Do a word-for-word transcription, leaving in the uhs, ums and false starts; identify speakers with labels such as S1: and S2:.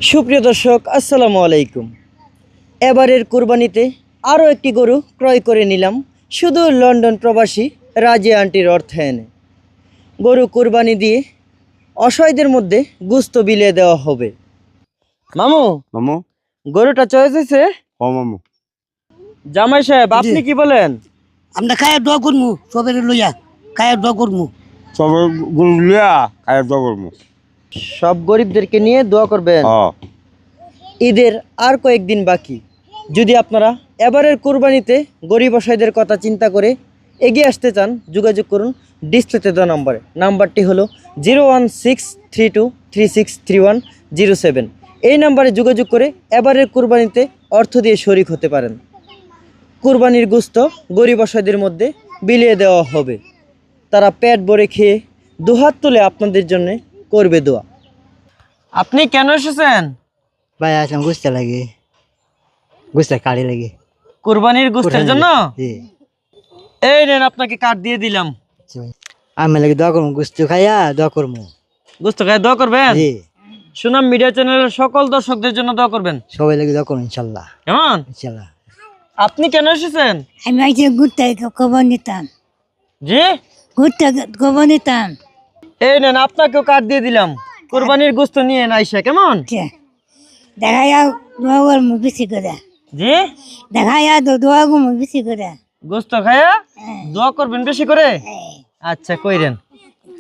S1: সুপ্রিয় দর্শক আসসালামু আলাইকুম। এবারের কুরবানিতে আরও একটি গরু ক্রয় করে নিলাম শুধু লন্ডন প্রবাসী রাজিয়া আন্টির অর্থায়নে। গরু কুরবানি দিয়ে অসহায়দের মধ্যে গুস্ত বিলিয়ে দেওয়া হবে। মামু
S2: মামু
S1: গরুটা চয়েস হয়েছে?
S2: ও মামু
S1: জামাই সাহেব আপনি কি বলেন?
S3: আমরা খায়া দোয়া করমু সবের লইয়া খায়া দোয়া করমু
S2: সবাই গুরু লিয়া খায় দবরমু।
S1: সব গরিবদেরকে নিয়ে দোয়া করবেন।
S2: হ্যাঁ
S1: ঈদের আর কয়েকদিন বাকি। যদি আপনারা এবারের কুরবানিতে গরিব অসহায়দের কথা চিন্তা করে এগিয়ে আসতে চান, যোগাযোগ করুন ডিসপ্লেতে দেওয়া নাম্বারে। নাম্বারটি হলো zero one six three two three six three one zero seven. এই নাম্বারে যোগাযোগ করে এবারের কুরবানিতে অর্থ দিয়ে শরিক হতে পারেন। কুরবানির গোশত গরিব অসহায়দের মধ্যে বিলিয়ে দেওয়া হবে। তারা পেট ভরে খেয়ে দুহাত তুলে আপনাদের জন্য করবে দোয়া। আপনি কেন এসেছেন?
S3: ভাই আসলাম গুছতে লাগে গুছতে কাড়ি লাগে
S1: কুরবানির গোশতের জন্য?
S3: জি
S1: এই নেন আপনাকে কার্ড দিয়ে দিলাম।
S3: আমি লাগে দোয়া করমু গুস্ত খাইয়া দোয়া করমু।
S1: গোশত খায় দোয়া করবেন।
S3: জি
S1: সুনাম মিডিয়া চ্যানেলের সকল দর্শকদের জন্য দোয়া করবেন।
S3: সবাই লাগে দোয়া করুন ইনশাল্লাহ
S1: কেমন?
S3: ইনশাল্লাহ।
S1: আপনি কেন এসেছেন?
S4: আমি আইসে ঘুরতে খবর নিতাম
S1: জি
S4: ঘুরতে খবর নিতাম
S1: এই নেন আপনাকেও কার্ড দিয়ে দিলাম। কুরবানির গোশত নিয়ে নাইসা কেমন?
S4: দেখা যাও দোয়া করবো বেশি করে
S1: জি
S4: দেখা যা দোয়া করবো বেশি করে
S1: গোশত খায়া দোয়া করবেন বেশি করে। আচ্ছা কইরেন।